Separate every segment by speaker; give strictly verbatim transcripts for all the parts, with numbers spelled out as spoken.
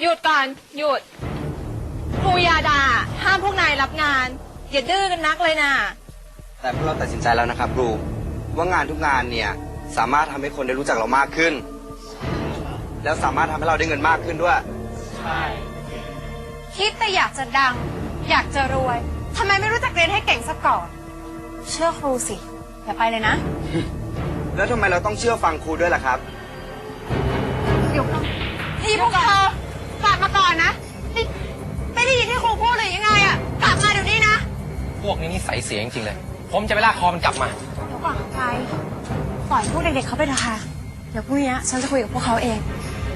Speaker 1: หยุดก่อนหยุดครูยาดาห้ามพวกนายรับงานอย่าดื้อกันนักเลยนะ
Speaker 2: แต่พวกเราตัดสินใจแล้วนะครับครูว่างานทุกงานเนี่ยสามารถทำให้คนได้รู้จักเรามากขึ้นแล้วสามารถทำให้เราได้เงินมากขึ้นด้วยใช่
Speaker 1: คิดแต่อยากจะดังอยากจะรวยทำไมไม่รู้จักเรียนให้เก่งซะก่อนเชื่อครูสิอย่าไปเลยนะ
Speaker 2: แล้วทำไมเราต้องเชื่อฟังครูด้วยล่ะครับ
Speaker 1: หยุดนี่พวกเธอกลับมาก่อนนะไม่ได้ยินที่ครูพูดเลยยังไงอะกลับมาเดี๋ยวนี้นะ
Speaker 3: พวกนี้นิสัยเสียจริงๆเลยผมจะไปลากคอมันกลับมา
Speaker 1: เดี๋ยวก่อนไปปล่อยพวกเด็กๆเขาไปเถอะค่ะเดี๋ยวพรุ่งนี้ฉันจะคุยกับพวกเขาเอง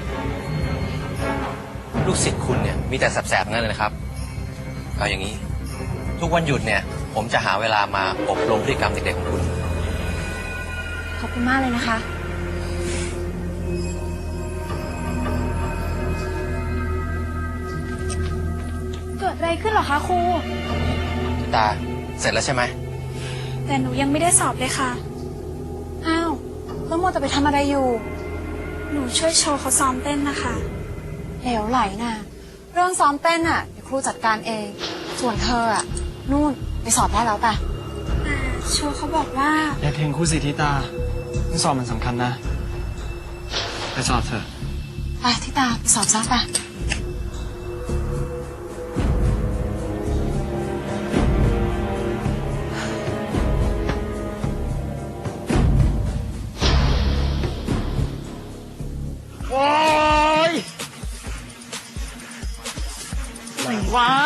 Speaker 3: ลูกศิษย์คุณเนี่ยมีแต่แสบๆนั่นเลยนะครับเอาอย่างนี้ทุกวันหยุดเนี่ยผมจะหาเวลามาอบรมพฤติกรรมเด็กๆของคุณ
Speaker 1: ขอบคุณมากเลยนะคะเกิดอะไรขึ้นหรอคะครู
Speaker 3: ตาเสร็จแล้วใช่ไหม
Speaker 1: แต่หนูยังไม่ได้สอบเลยค่ะอ้าวแล้วโมจะไปทำอะไรอยู่หนูช่วยโชว์เขาซ้อมเต้นนะคะเหลวไหลน่ะเรื่องซ้อมเต้นอ่ะเดี๋ยวครูจัดการเองส่วนเธออ่ะนู่นไปสอบได้แล้วป่ะแต่โชว์เขาบอกว่า
Speaker 4: อย่าเทงครูสิทิตาเรื่องสอบมันสำคัญนะไปสอบเถอะ
Speaker 1: ไปทิตาไปสอบซะป่ะ
Speaker 5: โอ๊ยไหนวะ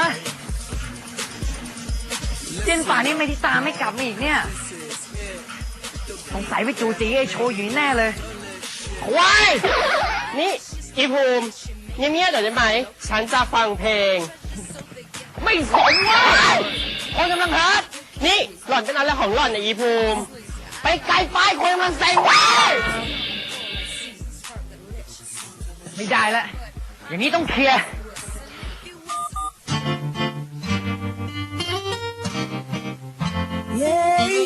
Speaker 5: เจนป่านี่ไม่ทิตาไม่กลับมาอีกเนี่ยสงสัยไปจูจีไอโชว์อยู่แน่เลย
Speaker 6: ว้ายนี่อีภูมิเงียบๆหน่อยได้ไหมฉันจะฟังเพลง
Speaker 5: ไม่สนว่าคนกำลังฮัท
Speaker 6: นี่หล่อนเป็นอะไรของหล่อนเนี่ยอีภูมิ
Speaker 5: ไปไกลไปคนกำลังเซ็งว้ายไม่ได้ละอย่างนี้ต้องเคลียร์เย้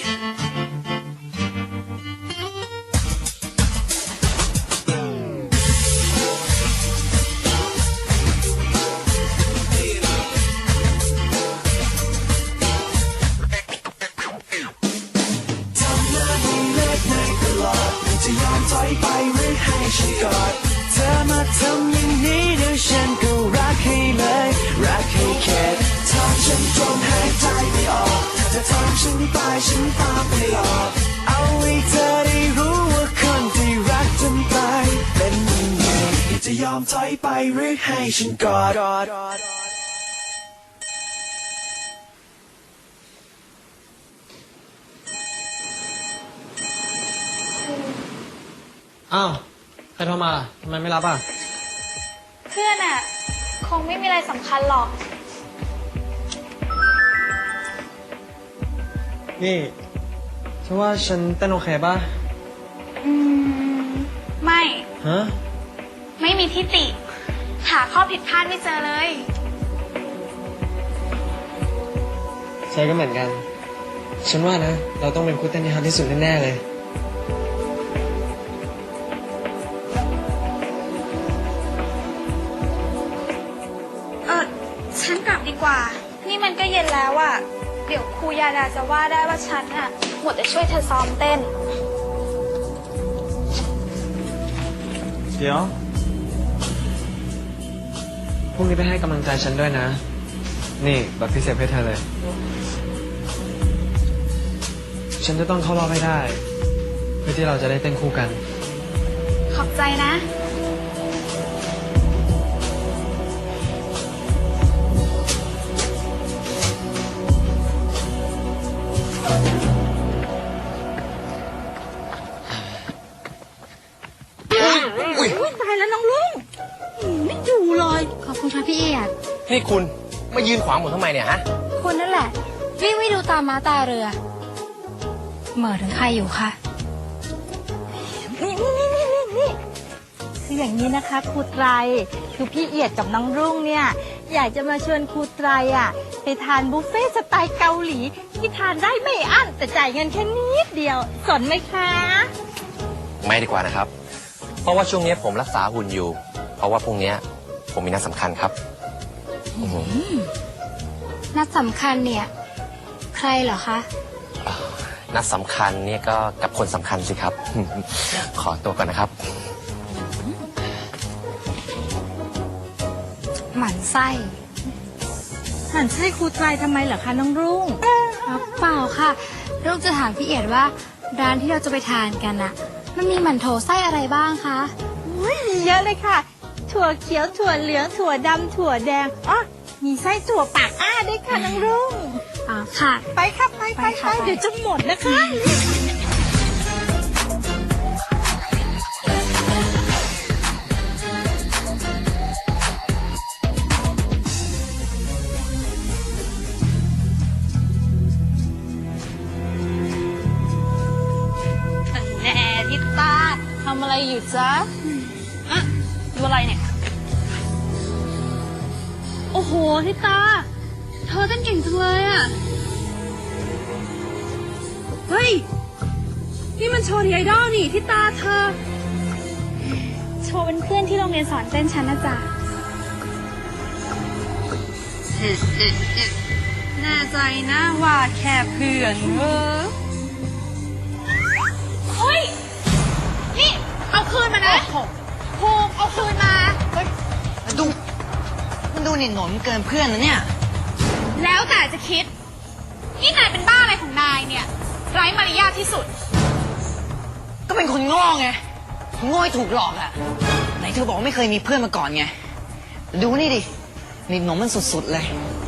Speaker 5: จะยอมถอยไปหรือให้ฉันกอดเธอมาทำอย่างนี้เดี๋ยวฉันก็รักให้เลยรักให้แค่ทำฉันจมหายใจไม่ออกจะทำฉันตายฉันตามไปหลอกเอาให้เธอได้รู้ว่าคนที่รักจนตายเป็นยังไงจะยอมถอยไปหรือให้ฉันกอด
Speaker 4: อ้าวใครโทรมาทำไมไม่รับอ่ะ
Speaker 1: เพื่อนอ่ะคงไม่มีอะไรสำคัญหรอก
Speaker 4: นี่ฉันว่าฉันเต้นโอเคป่ะ
Speaker 1: อืมไม่
Speaker 4: ฮะ
Speaker 1: ไม่มีทิฏฐิหาข้อผิดพลาดไม่เจอเลย
Speaker 4: ใช่ก็เหมือนกันฉันว่านะเราต้องเป็นคู่เต้นที่ฮอตที่สุดแน่ๆเลย
Speaker 1: ฉันกลับดีกว่านี่มันก็เย็นแล้วอะเดี๋ยวครูยาดาจะว่าได้ว่าฉันอะหมดแต่ช่วยเธอซ้อมเต้น
Speaker 4: เดี๋ยวพรุ่งนี้ไปให้กำลังใจฉันด้วยนะนี่แบบพิเศษให้เธอเลยฉันจะต้องเข้ารอบให้ได้เพื่อที่เราจะได้เต้นคู่กัน
Speaker 1: ขอบใจนะตายแล้วน้องลุงไม่อยู่เลยขอบคุณค่ะพี่เอียด
Speaker 3: นี่คุณมายืนขวางผมทำไมเนี่ยฮะ
Speaker 1: คุณนั่นแหละวิ่งไม่ดูตามม้าตาเรือเหม่อถึงใครอยู่คะ
Speaker 7: นี่นี่นี่นี่นี่คืออย่างนี้นะคะครูไตรคือพี่เอียดกับน้องรุ่งเนี่ยอยากจะมาชวนครูไตรอ่ะไปทานบุฟเฟ่สไตล์เกาหลีที่ทานได้ไม่อั้นแต่จ่ายเงินแค่นิดเดียวสนไหมคะ
Speaker 3: ไม่ดีกว่านะครับเพราะว่าช่วงนี้ผมรักษาหุ่นอยู่เพราะว่าพรุ่งนี้ผผมมีนัดสำคัญครับอือหือ
Speaker 1: นัดสำคัญเนี่ย ใครเหรอคะ
Speaker 3: นัดสำคัญเนี่ยก็กับคนสำคัญสิครับ ขอตัวก่อนนะครับ
Speaker 1: หมั่นไส้
Speaker 7: หมั่นไส้ครูไตรทำไมเหรอคะน้องรุ่ง
Speaker 1: ครับเปล่าค่ะลูกจะถามพี่เอียดว่า ร้านที่เราจะไปทานกันอะมันมีหมั่นโถไส้อะไรบ้างคะ
Speaker 7: อุ๊ยมีเยอะเลยค่ะ ถั่วเขียวถั่วเหลืองถั่วดำถั่วแดงอ๋อมีไส้ถั่วปากอ้าด้วยค่ะน้องรุ่ง
Speaker 1: อ๋อค่ะ
Speaker 7: ไปครับไปไป
Speaker 1: ไป
Speaker 7: ไป
Speaker 1: ค่ะไป
Speaker 7: เดี๋ยวจะหมดนะคะ
Speaker 1: แน่ทิตาทำอะไรอยู่จ๊ะอะดูอะไรเนี่ย โอ้โหทิตา เธอเต้นเก่งจังเลยอะเฮ้ย นี่มันโชว์ดีไอดอลนี่ทิตาเธอ โชว์เป็นเพื่อนที่โรงเรียนสอนเต้นฉันนะจ๊ะ แน่ใจนะว่าแค่เพื่อนเออเฮ้ย นี่ เอาคืนมานะภูมิเอาคืนมา
Speaker 8: ดูมันดูหนิหนมเกินเพื่อนนะเนี่ย
Speaker 1: แล้วแต่จะคิด นี่นายเป็นบ้าอะไรของนายเนี่ย ไร้มารยาทที่สุด
Speaker 8: ก็เป็นคนโง่ไงโง่ให้ถูกหลอกอะไหนเธอบอกว่าไม่เคยมีเพื่อนมาก่อนไง ดูนี่ดิหนิหนมมันสุดๆเลย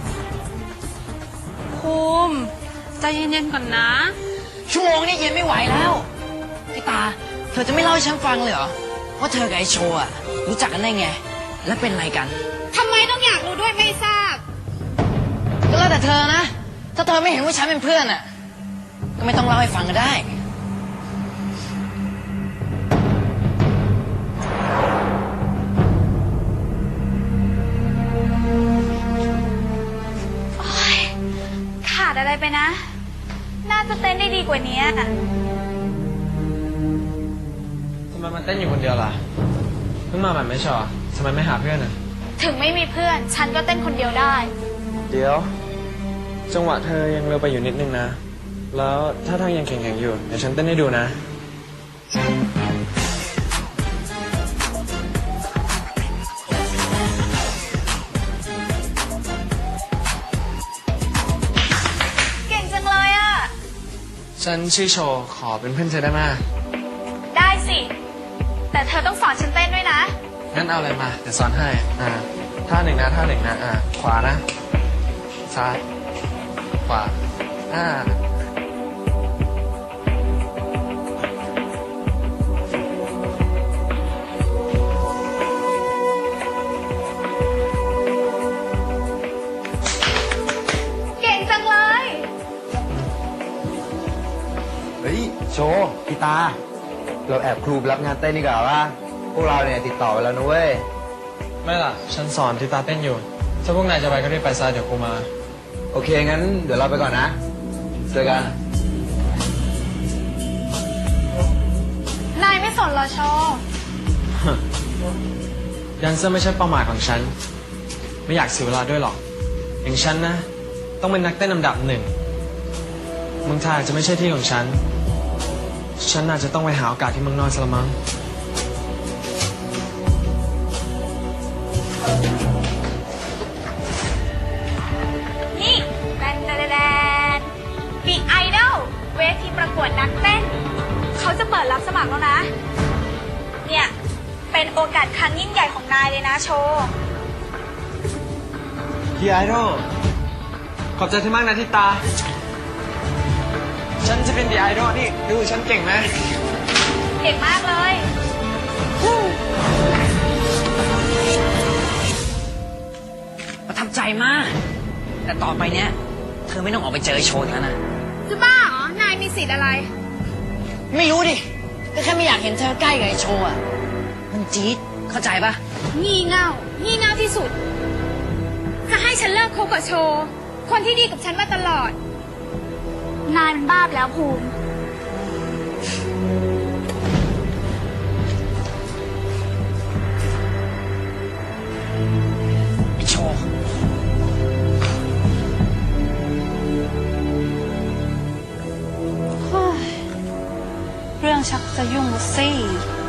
Speaker 1: ภูมิใจเย็นๆก่อนนะ
Speaker 8: ชั่วโมงนี้เย็นไม่ไหวแล้วพี่ตา เธอจะไม่เล่าให้ฉันฟังเลยเหรอ ว่าเธอกับไอโชว์อะรู้จักกันได้ไง และเป็นอะไรกัน
Speaker 1: ทำไมต้องอยากรู้ด้วยไม่ทราบ
Speaker 8: ก็แล้วแต่เธอนะ ถ้าเธอไม่เห็นว่าฉันเป็นเพื่อนอะก็ไม่ต้องเล่าให้ฟังก็ได้
Speaker 1: ขาดอะไรไปนะ น่าจะเต้นได้ดีกว่านี้
Speaker 4: ทำไมมันเต้นอยู่คนเดียวล่ะ เพิ่งมาใหม่ไม่ใช่เหรอทำไมไม่หาเพื่อนอ่ะ
Speaker 1: ถึงไม่มีเพื่อน ฉันก็เต้นคนเดียวได้
Speaker 4: เดี๋ยว จังหวะเธอยังเร็วไปอยู่นิดนึงนะ แล้วถ้าทางยังแข็งๆอยู่ เดี๋ยวฉันเต้นให้ดูนะ
Speaker 1: เก่งจังเลยอ่ะ
Speaker 4: ฉันชื่อโชว์ขอเป็นเพื่อนเธอได้ไหม
Speaker 1: ได้สิ แต่เธอต้องสอนฉันเต้นด้วยนะ
Speaker 4: งั้นเอาอะไรมา เดี๋ยวสอนให้ อ่า ท่าหนึ่งนะ ท่าหนึ่งนะ อ่า ขวานะ ซ้าย ขวา อ่า
Speaker 1: เก่งจังเลย
Speaker 2: เฮ้ยโชว์พี่ตา เราแอบครูไปรับงานเต้นดีกว่าว่าพวกเราเนี่ยติดต่อไปแล้วนะเว้ย
Speaker 4: ไม่ล่ะ ฉันสอนที่ตาเต้นอยู่ ถ้าพวกนายจะไปก็รีบไปซะเดี๋ยวกูมา
Speaker 2: โอเค งั้นเดี๋ยวเราไปก่อนนะ เจอกัน
Speaker 1: นายไม่สนเหรอโชว์
Speaker 4: แดนเซอร์ไม่ใช่เป้าหมายของฉัน ไม่อยากเสียเวลาด้วยหรอก อย่างฉันนะ ต้องเป็นนักเต้นลำดับหนึ่งเมืองไทยอาจจะไม่ใช่ที่ของฉัน ฉันอาจจะต้องไปหาโอกาสที่เมืองนอกซะละมั้ง
Speaker 1: นี่แดนแดนแดนบิ๊กไอดอลเวทีประกวดนักเต้น เขาจะเปิดรับสมัครแล้วนะ เนี่ย เป็นโอกาสครั้งยิ่งใหญ่ของนายเลยนะโชว์
Speaker 4: พี่ไอดอลขอบใจที่มากนะที่ตา ฉันจะเป็นดีไอดอลนี่ดูฉันเก่งไหม
Speaker 1: เก่งมากเลย
Speaker 8: ประทับใจมาก แต่ต่อไปเนี้ย เธอไม่ต้องออกไปเจอไอโชว์แล้วนะ
Speaker 1: จะบ้าเหรอ นายมีสิทธิ์อะไร
Speaker 8: ไม่รู้ดิ ก็แค่ไม่อยากเห็นเธอใกล้กับไอโชว์อะมันจี๊ด เข้าใจปะ
Speaker 1: งี่เง่า งี่เง่าที่สุด จะให้ฉันเลิกคบกับโชว์ คนที่ดีกับฉันมาตลอด นายมันบ้าไปแล้วภูมิ
Speaker 8: เว์
Speaker 1: เรื่องชักจะยุ่งแล้วสิ